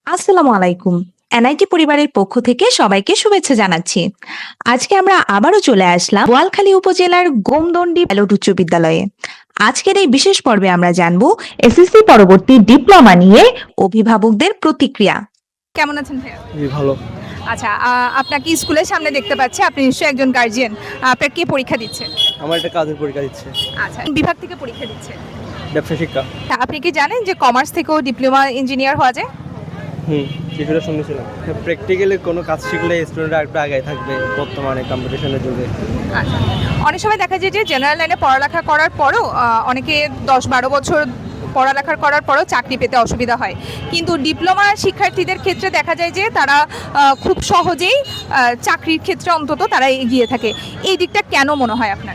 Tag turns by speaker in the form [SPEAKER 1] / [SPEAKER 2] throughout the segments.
[SPEAKER 1] আসসালামু আলাইকুম। এনআইটি পরিবারের পক্ষ থেকে সবাইকে শুভেচ্ছা জানাচ্ছি। আজকে আমরা আবারও চলে আসলাম বোয়ালখালী উপজেলার গোমদন্ডি পাইলট উচ্চ বিদ্যালয়ে। আজকের এই বিশেষ পর্বে আমরা জানব এসএসসি পরবর্তী ডিপ্লোমা নিয়ে অভিভাবকদের প্রতিক্রিয়া। কেমন আছেন ভাইয়া?
[SPEAKER 2] জি ভালো।
[SPEAKER 1] আচ্ছা, আপনাকে স্কুলের সামনে দেখতে পাচ্ছি, আপনি নিশ্চয়ই একজন গার্জিয়ান। আপনার কে পরীক্ষা দিচ্ছে?
[SPEAKER 2] আমার একটা কাজের পরীক্ষা দিচ্ছে।
[SPEAKER 1] আচ্ছা, বিভাগ থেকে পরীক্ষা দিচ্ছে?
[SPEAKER 2] ব্যবসা শিক্ষা।
[SPEAKER 1] আপনি কি জানেন যে কমার্স থেকেও ডিপ্লোমা ইঞ্জিনিয়ার হওয়া যায়?
[SPEAKER 2] কিছুটা শুনেছিলাম। প্র্যাকটিক্যালি কোনো কাজ শিখলে স্টুডেন্টরা একটু আগে থাকবে বর্তমানে কম্পিটিশনের যুগে।
[SPEAKER 1] আচ্ছা, অনেক সময় দেখা যায় যে জেনারেল লাইনে পড়ালেখা করার পরও অনেকে 10-12 বছর পড়ালেখা করার পরও চাকরি পেতে অসুবিধা হয়, কিন্তু ডিপ্লোমা শিক্ষার্থীদের ক্ষেত্রে দেখা যায় যে তারা খুব সহজেই চাকরির ক্ষেত্রে অন্তত তারা এগিয়ে থাকে। এই দিকটা কেন মনে হয় আপনার?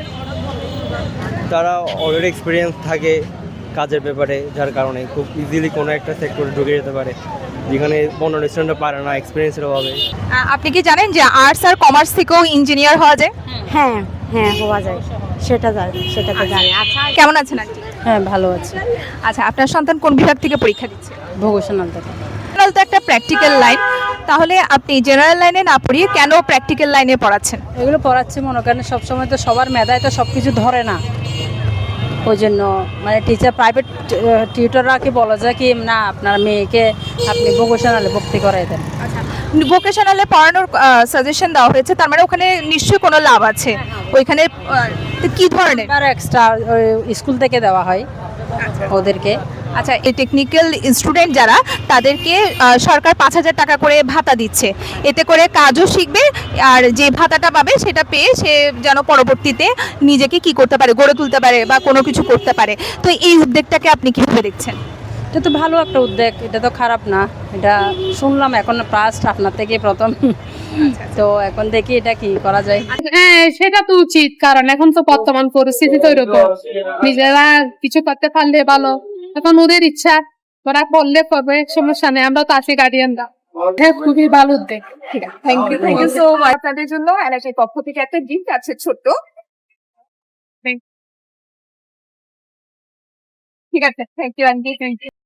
[SPEAKER 2] তারা অলরেডি এক্সপিরিয়েন্স থাকে কাজের ব্যাপারে, যার কারণে খুব ইজিলি কোনো একটা সেক্টরে ঢুকে যেতে পারে, যেখানে অন্য স্টুডেন্টরা পারে না এক্সপিরিয়েন্সের অভাবে।
[SPEAKER 1] আপনি কি জানেন যে আর্টস আর কমার্স থেকেও ইঞ্জিনিয়ার হওয়া যায়?
[SPEAKER 3] হ্যাঁ, হ্যাঁ হওয়া যায়। সেটা তো জানি। আচ্ছা,
[SPEAKER 1] কেমন আছেন আন্টি?
[SPEAKER 3] হ্যাঁ ভালো আছি।
[SPEAKER 1] আচ্ছা, আপনার সন্তান কোন বিভাগ থেকে পরীক্ষা দিচ্ছে?
[SPEAKER 3] ভোকেশনাল থেকে।
[SPEAKER 1] জেনারেল তো একটা প্র্যাকটিক্যাল লাইন, তাহলে আপনি জেনারেল লাইনে না পড়িয়ে কেন প্র্যাকটিক্যাল লাইনে পড়াচ্ছেন?
[SPEAKER 3] এগুলো পড়াচ্ছি মনে করেন সবসময় তো সবার মেধায় তো সব কিছু ধরে না, ওই জন্য মানে টিচার প্রাইভেট টিউটররা কি বলা যায় কি না আপনার মেয়েকে আপনি ভোকেশনালে ভর্তি করাই দেন।
[SPEAKER 1] আচ্ছা, ভোকেশনালে পড়ানোর সাজেশন দেওয়া হয়েছে, তার মানে ওখানে নিশ্চয়ই কোনো লাভ আছে। ওইখানে তো কি ধরনের?
[SPEAKER 3] আর এক্সট্রা স্কুল থেকে দেওয়া হয় ওদেরকে।
[SPEAKER 1] আচ্ছা, এই টেকনিক্যাল স্টুডেন্ট যারা, তাদেরকে সরকার 5,000 টাকা করে ভাতা দিচ্ছে, এতে করে কাজও শিখবে আর যে ভাতাটা পাবে সেটা পেয়ে সে যেন পরবর্তীতে নিজেকে কি করতে পারে, গড়ে তুলতে পারে বা কোনো কিছু করতে পারে। তো এই উদ্যোগটাকে আপনি কিভাবে দেখছেন?
[SPEAKER 3] এটা তো ভালো একটা উদ্যোগ, এটা তো খারাপ না। এটা শুনলাম এখন ফার্স্ট আপনার থেকে প্রথম, তো এখন দেখি এটা কি করা যায়।
[SPEAKER 4] হ্যাঁ, সেটা তো উচিত, কারণ এখন তো বর্তমান পরিস্থিতি তো এরকম, নিজেরা কিছু করতে পারলে ভালো। এখন ওদের ইচ্ছা, ওরা করলে করবে, সমস্যা নেই, আমরা তো আছি গার্ডিয়ানরা। হ্যাঁ, খুবই ভালো উদ্যোগ।
[SPEAKER 1] ঠিক আছে, থ্যাংক ইউ সো মাচ। আপনাদের জন্য এনআইটির পক্ষ থেকে একটা গিফট আছে ছোট্ট। ঠিক আছে, thank you aunty, thank you.